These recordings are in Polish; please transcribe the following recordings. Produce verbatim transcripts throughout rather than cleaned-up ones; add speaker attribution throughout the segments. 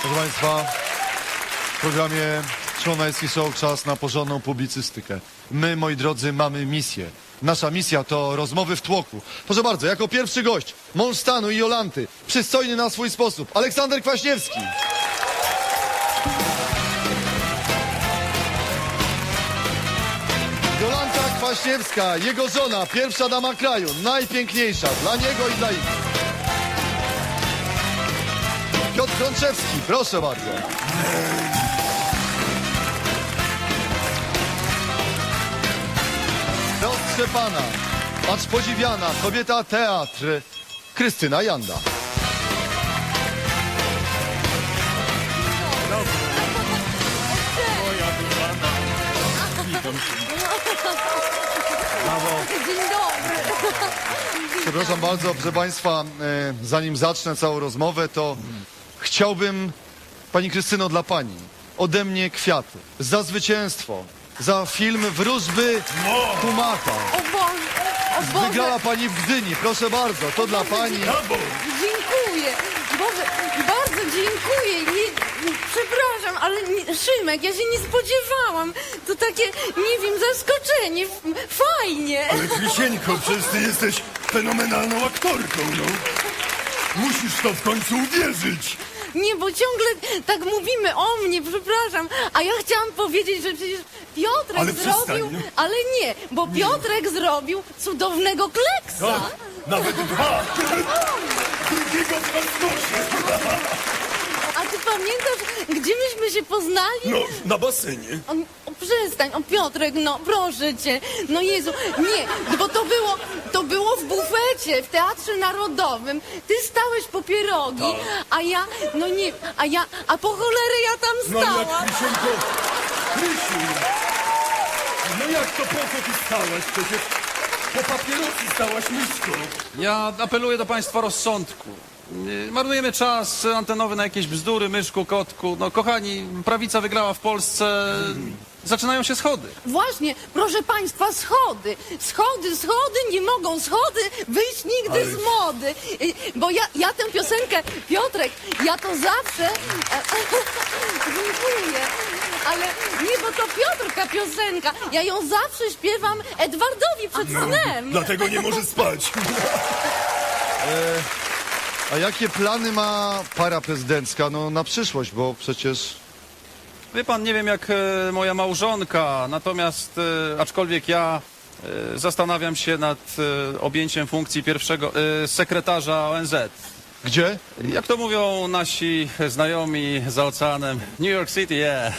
Speaker 1: Proszę Państwa, w programie Szłonajski Show czas na porządną publicystykę. My, moi drodzy, mamy misję. Nasza misja to rozmowy w tłoku. Proszę bardzo, jako pierwszy gość, mąż stanu i Jolanty, przystojny na swój sposób, Aleksander Kwaśniewski. Jolanta Kwaśniewska, jego żona, pierwsza dama kraju, najpiękniejsza dla niego i dla innych. Piotr Frączewski, proszę bardzo. Roztrzepana, acz podziwiana, kobieta teatr, Krystyna Janda.
Speaker 2: Dzień dobry.
Speaker 1: Przepraszam bardzo, proszę Państwa, e, zanim zacznę całą rozmowę, to chciałbym, Pani Krystyno, dla Pani, ode mnie kwiaty, za zwycięstwo, za film Wróżby Humata.
Speaker 2: O Boże, o
Speaker 1: Wygrała
Speaker 2: Boże,
Speaker 1: Pani w Gdyni, proszę bardzo, to dla Pani.
Speaker 2: dziękuję. Boże, bardzo dziękuję. Nie, przepraszam, ale nie, Szymek, ja się nie spodziewałam. To takie, nie wiem, zaskoczenie. F- Fajnie.
Speaker 3: Ale Krisieńko, przecież ty jesteś fenomenalną aktorką, no. Musisz w to w końcu uwierzyć.
Speaker 2: Nie, bo ciągle tak mówimy o mnie, przepraszam. A ja chciałam powiedzieć, że przecież Piotrek
Speaker 3: Ale przestań,
Speaker 2: zrobił...
Speaker 3: no.
Speaker 2: Ale nie, bo Piotrek zrobił cudownego kleksa.
Speaker 3: Tak, nawet dwa. Drugiego w kosmosie.
Speaker 2: A ty pamiętasz, gdzie myśmy się poznali?
Speaker 3: No, na basenie.
Speaker 2: O, o, przestań, o Piotrek, no proszę cię, no Jezu, nie, bo to było, to było w bufecie, w Teatrze Narodowym, ty stałeś po pierogi, a ja, no nie, a ja, a po cholerę ja tam
Speaker 3: No jak
Speaker 2: stałam.
Speaker 3: Krisieńko, Krysiu. No jak to po co ty stałaś? Przecież po papierosy stałaś myszką.
Speaker 4: Ja apeluję do państwa rozsądku. Nie, marnujemy czas antenowy na jakieś bzdury, myszku, kotku. No kochani, prawica wygrała w Polsce. Zaczynają się schody.
Speaker 2: Właśnie, proszę państwa, schody, schody, schody, nie mogą schody wyjść nigdy
Speaker 3: Ale-
Speaker 2: z mody, Y, bo ja, ja tę piosenkę, Piotrek, ja to zawsze, dziękuję, ale nie, bo to Piotrka piosenka, ja ją zawsze śpiewam Edwardowi przed snem.
Speaker 3: Dlatego nie może spać.
Speaker 1: A jakie plany ma para prezydencka, no na przyszłość, bo przecież...
Speaker 4: Wie pan, nie wiem jak e, moja małżonka, natomiast e, aczkolwiek ja e, zastanawiam się nad e, objęciem funkcji pierwszego e, sekretarza O N Z.
Speaker 1: Gdzie?
Speaker 4: Jak to mówią nasi znajomi za oceanem, New York City, yeah.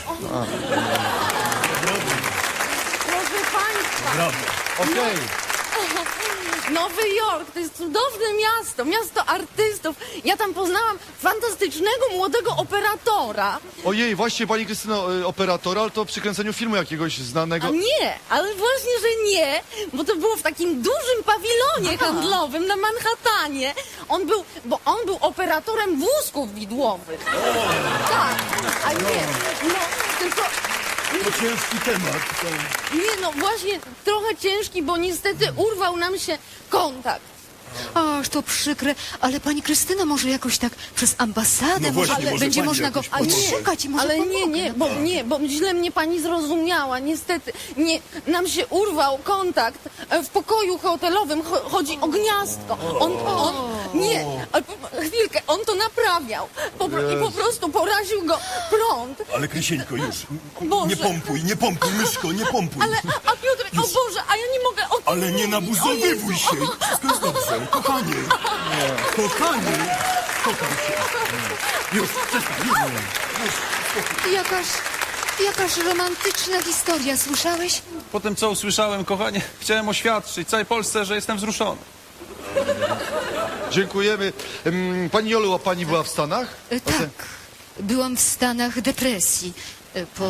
Speaker 2: Proszę państwa,
Speaker 3: Brawo.
Speaker 1: Okej.
Speaker 2: Nowy Jork to jest cudowne miasto, miasto artystów. Ja tam poznałam fantastycznego młodego operatora.
Speaker 1: Ojej, właśnie Pani Krystyno, y, operatora, ale to przy kręceniu filmu jakiegoś znanego...
Speaker 2: A nie, ale właśnie, że nie, bo to było w takim dużym pawilonie handlowym na Manhattanie. On był, bo on był operatorem wózków widłowych. Tak, a nie, no tylko...
Speaker 3: To ciężki temat. To...
Speaker 2: Nie, no właśnie trochę ciężki, bo niestety urwał nam się kontakt.
Speaker 5: Ach, to przykre, ale pani Krystyna może jakoś tak przez ambasadę,
Speaker 3: No
Speaker 5: może,
Speaker 3: właśnie, może
Speaker 5: będzie
Speaker 3: pani
Speaker 5: można go
Speaker 3: jakoś pomoże.
Speaker 5: odszukać i może
Speaker 2: Ale
Speaker 5: pomogę.
Speaker 2: nie, nie, bo nie, bo źle mnie pani zrozumiała, niestety. Nie, nam się urwał kontakt e, w pokoju hotelowym, cho- chodzi o gniazdko. On, on, nie, ale po- chwilkę, on to naprawiał po, pro- i po prostu poraził go prąd.
Speaker 3: Ale Krisieńko, już.
Speaker 2: Boże.
Speaker 3: Nie pompuj, nie pompuj, myszko, nie pompuj.
Speaker 2: Ale, a Piotrek, o Boże, a ja nie mogę o tym
Speaker 3: Ale nie
Speaker 2: mówić.
Speaker 3: nabuzowywuj
Speaker 2: O
Speaker 3: się.
Speaker 2: Jezu,
Speaker 3: Wszystko jest dobrze. Kochanie. Kochanie. Kocham się. Już, przestań. Już.
Speaker 5: Jakaż, jakaż romantyczna historia, słyszałeś?
Speaker 4: Po tym co usłyszałem, kochanie, chciałem oświadczyć całej Polsce, że jestem wzruszony.
Speaker 1: Dziękujemy. Ym, Pani Jolu, a Pani była w Stanach?
Speaker 5: E, tak, byłam w stanach depresji e, po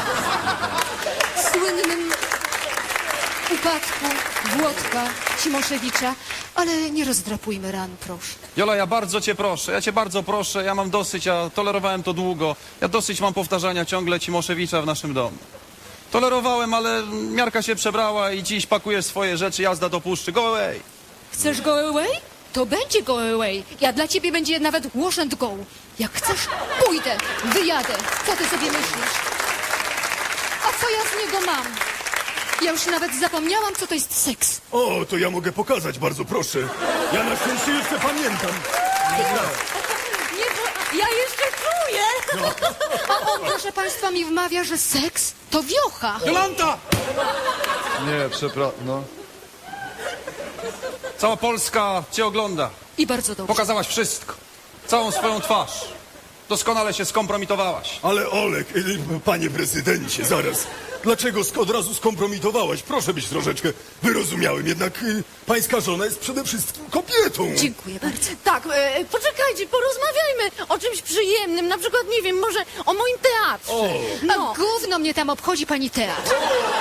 Speaker 5: słynnym upadku Włodka Cimoszewicza, ale nie rozdrapujmy ran, proszę.
Speaker 4: Jola, ja bardzo cię proszę, ja cię bardzo proszę, ja mam dosyć, ja tolerowałem to długo. Ja dosyć mam powtarzania ciągle Cimoszewicza w naszym domu. Tolerowałem, ale miarka się przebrała i dziś pakujesz swoje rzeczy, jazda do puszczy. Go away!
Speaker 5: Chcesz go away? to będzie go away. Ja dla ciebie będzie nawet wash and go. Jak chcesz, pójdę, wyjadę. Co ty sobie myślisz? A co ja z niego mam? Ja już nawet zapomniałam, co to jest seks.
Speaker 3: O, to ja mogę pokazać, bardzo proszę. Ja na szczęście jeszcze pamiętam.
Speaker 2: Nie, bo ja jeszcze czuję.
Speaker 5: A on, proszę państwa, mi wmawia, że seks to wiocha.
Speaker 4: Jolanta!
Speaker 1: Nie, przepraszam, no.
Speaker 4: Cała Polska cię ogląda.
Speaker 5: I bardzo dobrze.
Speaker 4: Pokazałaś wszystko. Całą swoją twarz. Doskonale się skompromitowałaś.
Speaker 3: Ale Olek, y, panie prezydencie, zaraz. Dlaczego sk- od razu skompromitowałaś? Proszę być troszeczkę wyrozumiałym, jednak y, pańska żona jest przede wszystkim kobietą.
Speaker 5: Dziękuję bardzo.
Speaker 2: Tak, e, poczekajcie, porozmawiajmy o czymś przyjemnym, na przykład, nie wiem, może o moim teatrze.
Speaker 3: O.
Speaker 2: No,
Speaker 5: A gówno mnie tam obchodzi pani teatr.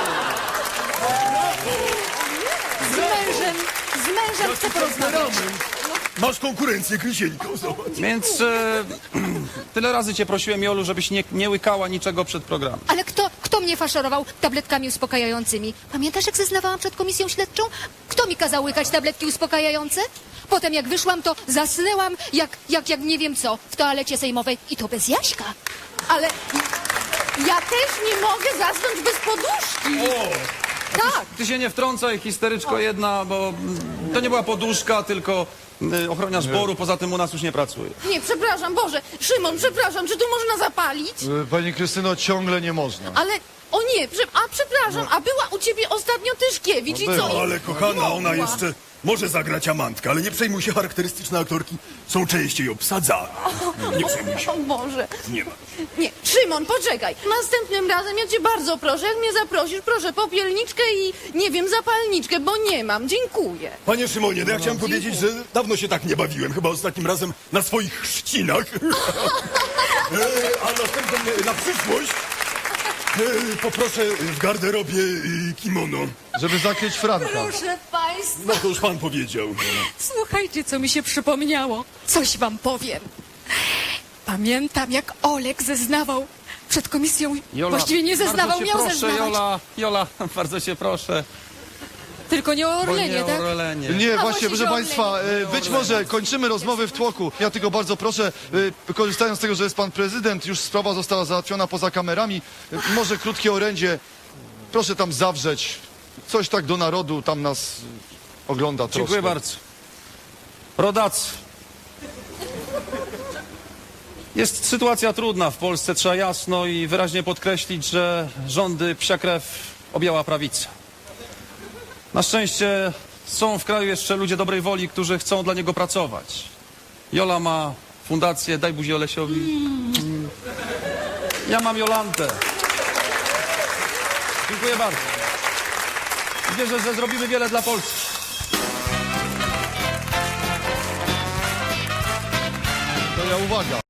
Speaker 5: Z mężem, z mężem chcę porozmawiać.
Speaker 3: Masz konkurencję, Krysieńko, zobacz.
Speaker 4: Więc e, tyle razy cię prosiłem, Jolu, żebyś nie, nie łykała niczego przed programem.
Speaker 5: Ale kto, kto mnie faszerował tabletkami uspokajającymi? Pamiętasz, jak zeznawałam przed komisją śledczą? Kto mi kazał łykać tabletki uspokajające? Potem jak wyszłam, to zasnęłam jak, jak, jak nie wiem co, w toalecie sejmowej. I to bez Jaśka.
Speaker 2: ale ja też nie mogę zasnąć bez poduszki. Tak.
Speaker 4: Ty się nie wtrącaj, histeryczko jedna, bo mm, to nie była poduszka, tylko y, ochroniarz boru, poza tym u nas już nie pracuje.
Speaker 2: Nie, przepraszam, Boże. Szymon, przepraszam, czy tu można zapalić?
Speaker 1: Y, Pani Krystyno, ciągle nie można.
Speaker 2: Ale, o nie, prze, a przepraszam, a była u ciebie ostatnio Tyszkiewicz i
Speaker 1: No
Speaker 2: co?
Speaker 1: była.
Speaker 3: Ale kochana, ona
Speaker 2: Mogła.
Speaker 3: jeszcze może zagrać amantkę, ale nie przejmuj się, charakterystyczne aktorki są częściej obsadzane. Nie przejmuj się,
Speaker 2: O Boże.
Speaker 3: nie ma.
Speaker 2: Nie, Szymon, poczekaj. Następnym razem ja cię bardzo proszę, jak mnie zaprosisz, proszę popielniczkę i, nie wiem, zapalniczkę, bo nie mam. Dziękuję.
Speaker 3: Panie Szymonie, no ja chciałem powiedzieć, że dawno się tak nie bawiłem, chyba ostatnim razem na swoich chrzcinach. E, A następnym, e, na przyszłość, e, poproszę w garderobie e, kimono.
Speaker 1: Żeby zakryć Franka.
Speaker 5: Proszę państwa,
Speaker 3: No to już pan powiedział.
Speaker 5: słuchajcie, co mi się przypomniało. Coś wam powiem. Pamiętam, jak Olek zeznawał przed komisją. Właściwie nie zeznawał,
Speaker 4: bardzo cię
Speaker 5: miał
Speaker 4: proszę,
Speaker 5: zeznawać.
Speaker 4: Jola, Jola, bardzo cię proszę.
Speaker 5: Tylko nie o
Speaker 4: Bo
Speaker 5: Orlenie,
Speaker 4: nie
Speaker 5: tak?
Speaker 4: o Orlenie.
Speaker 1: Nie,
Speaker 5: A
Speaker 1: właśnie,
Speaker 5: właśnie
Speaker 1: proszę
Speaker 5: się
Speaker 1: Państwa,
Speaker 5: odleci.
Speaker 1: y, być może kończymy rozmowy w tłoku. Ja tylko bardzo proszę, y, korzystając z tego, że jest Pan Prezydent, już sprawa została załatwiona poza kamerami, y, może krótkie orędzie, proszę tam zawrzeć, coś tak do narodu, tam nas y, ogląda troszkę.
Speaker 4: Dziękuję bardzo. Rodacy. Jest sytuacja trudna w Polsce, trzeba jasno i wyraźnie podkreślić, że rządy psia krew objęła prawica. Na szczęście są w kraju jeszcze ludzie dobrej woli, którzy chcą dla niego pracować. Jola ma fundację Daj buzi Olesiowi. Mm. Ja mam Jolantę. Dziękuję bardzo. Wierzę, że zrobimy wiele dla Polski.
Speaker 1: To ja uwaga.